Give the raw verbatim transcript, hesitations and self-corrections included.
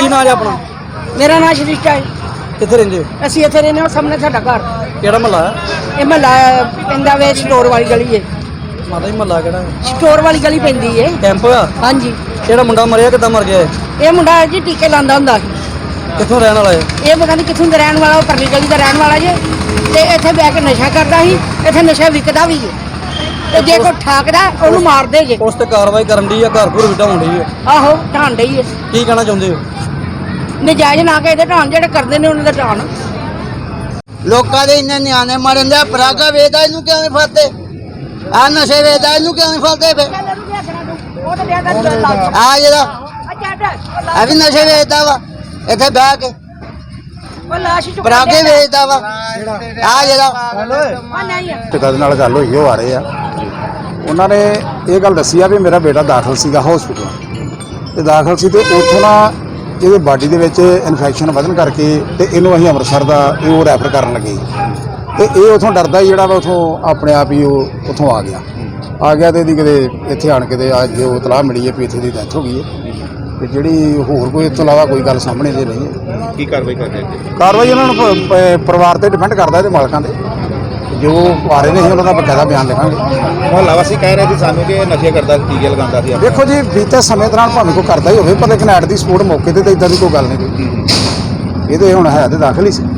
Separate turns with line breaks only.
ਕੀ ਨਾਂ ਹੈ ਆਪਣਾ?
ਮੇਰਾ ਨਾਮ ਸ਼੍ਰਿਸ਼ਟਾ ਹੈ।
ਕਿੱਥੇ ਰਹਿੰਦੇ ਹੋ?
ਅਸੀਂ ਇੱਥੇ ਰਹਿੰਦੇ ਹਾਂ, ਸਾਹਮਣੇ ਸਾਡਾ ਘਰ।
ਕਿਹੜਾ ਮਹੱਲਾ ਹੈ?
ਇਹ ਮਹੱਲਾ ਪੈਂਦਾ ਵੇ ਸਟੋਰ ਵਾਲੀ ਗਲੀ ਹੈ।
ਮਾਤਾ ਜੀ ਮਹੱਲਾ ਕਿਹੜਾ?
ਸਟੋਰ ਵਾਲੀ ਗਲੀ ਪੈਂਦੀ ਹੈ।
ਕੈਂਪ ਹੋਇਆ?
ਹਾਂਜੀ।
ਕਿਹੜਾ ਮੁੰਡਾ ਮਰਿਆ, ਕਿੱਦਾਂ ਮਰ ਗਿਆ?
ਇਹ ਮੁੰਡਾ ਜੀ ਟੀਕੇ ਲਾਉਂਦਾ ਹੁੰਦਾ ਸੀ।
ਕਿੱਥੋਂ ਰਹਿਣ ਵਾਲਾ ਹੈ?
ਇਹ ਪਤਾ ਨਹੀਂ ਕਿੱਥੋਂ ਦਾ ਰਹਿਣ ਵਾਲਾ, ਉਹ ਪਰਲੀ ਗਲੀ ਦਾ ਰਹਿਣ ਵਾਲਾ ਜੇ। ਤੇ ਇੱਥੇ ਬਹਿ ਕੇ ਨਸ਼ਾ ਕਰਦਾ ਸੀ, ਇੱਥੇ ਨਸ਼ਾ ਵਿਕਦਾ ਵੀ ਹੈ। ਤੇ ਜੇ ਕੋਈ ਠਾਕਦਾ ਉਹਨੂੰ ਮਾਰਦੇ ਜੇ।
ਉਸ ਤੇ ਕਾਰਵਾਈ ਕਰਨ ਦੀ ਆ, ਘਰ ਘਰ ਵਿਟਾਉਣ ਦੀ ਹੈ।
ਆਹੋ ਢਾਣ ਡਈ ਹੈ।
ਕੀ ਕਹਿਣਾ ਚਾਹੁੰਦੇ ਹੋ?
ਨਜਾਇਜ਼ ਨਾ ਕੇ ਇਹਦੇ ਢਾਣ, ਜਿਹੜੇ ਕਰਦੇ ਨੇ ਉਹਨਾਂ ਦਾ ਢਾਣ।
ਲੋਕਾਂ ਦੇ ਇੰਨੇ ਨਿਆਣੇ ਮਰਨ ਦੇ। ਪਰਾਗਾ ਵੇਚਦਾ, ਇਹਨੂੰ ਕਿਉਂ ਨਹੀਂ ਫੜਦੇ? ਆ ਨਸ਼ੇ ਵੇਚਦਾ, ਇਹਨੂੰ ਕਿਉਂ ਨਹੀਂ ਫੜਦੇ? ਫਿਰ ਆ ਜਿਹੜਾ ਆ ਵੀ ਨਸ਼ੇ ਵੇਚਦਾ ਵਾ ਇੱਥੇ ਬਹਿ ਕੇ, ਪਰਾਗੇ ਵੇਚਦਾ ਵਾ ਆ ਜਿਹੜਾ।
ਪਿਤਾ ਦੇ ਨਾਲ ਗੱਲ ਹੋਈ, ਉਹ ਆ ਰਹੇ ਆ। ਉਹਨਾਂ ਨੇ ਇਹ ਗੱਲ ਦੱਸੀ ਆ ਵੀ ਮੇਰਾ ਬੇਟਾ ਦਾਖਲ ਸੀਗਾ ਹਸਪੀਟਲ ਤੇ ਦਾਖਲ ਸੀ ਤੇ ਉੱਥੋਂ ਨਾ ਇਹਦੇ ਬਾਡੀ ਦੇ ਵਿੱਚ ਇਨਫੈਕਸ਼ਨ ਵਧਣ ਕਰਕੇ ਤੇ ਇਹਨੂੰ ਅਸੀਂ ਅੰਮ੍ਰਿਤਸਰ ਦਾ ਇਹ ਉਹ ਰੈਫਰ ਕਰਨ ਲੱਗੇ ਤੇ ਇਹ ਉਥੋਂ ਡਰਦਾ ਹੀ ਜਿਹੜਾ ਵਾ ਉਥੋਂ ਆਪਣੇ ਆਪ ਹੀ ਉਹ ਉਥੋਂ ਆ ਗਿਆ ਆ ਗਿਆ ਤੇ ਇਹਦੀ ਕਿਤੇ ਇੱਥੇ ਆਣ ਕੇ ਤੇ ਅੱਜ ਉਹ ਇਤਲਾਹ ਮਿਲੀ ਹੈ ਵੀ ਇੱਥੇ ਦੀ ਡੈਥ ਹੋ ਗਈ ਹੈ ਤੇ ਜਿਹੜੀ ਹੋਰ ਕੋਈ ਇਸ ਤੋਂ ਇਲਾਵਾ ਕੋਈ ਗੱਲ ਸਾਹਮਣੇ ਦੇ ਨਹੀਂ ਹੈ।
ਕੀ ਕਾਰਵਾਈ ਕਰਦੇ ਹੋ?
ਕਾਰਵਾਈ ਉਹਨਾਂ ਨੂੰ ਪ- ਪ- ਪਰਿਵਾਰ ਤੇ ਡਿਪੈਂਡ ਕਰਦਾ ਇਹਦੇ ਮਾਲਕਾਂ ਦੇ, ਜੋ ਆ ਰਹੇ ਨੇ ਅਸੀਂ ਉਹਨਾਂ ਦਾ ਬਕਾਇਦਾ ਬਿਆਨ ਲਿਖਾਂਗੇ।
ਮੁਹੱਲਾ ਵਾਸੀ ਕਹਿ ਰਹੇ ਸੀ ਸਾਨੂੰ ਕਿ ਇਹ ਨਸ਼ੇ ਕਰਦਾ, ਟੀਕੇ ਲਗਾਉਂਦਾ ਸੀ।
ਦੇਖੋ ਜੀ, ਬੀਤੇ ਸਮੇਂ ਦੌਰਾਨ ਭਾਵੇਂ ਕੋਈ ਕਰਦਾ ਹੀ ਹੋਵੇ, ਪਰ ਲੇਕਿਨ ਐਟ ਦੀ ਸਪੋਰਟ ਮੌਕੇ ਤੇ ਤਾਂ ਇਦਾਂ ਦੀ ਕੋਈ ਗੱਲ ਨਹੀਂ ਕੋਈ। ਇਹ ਤੇ ਹੁਣ ਹੈ ਤੇ ਦਾਖਲ ਹੀ ਸੀ।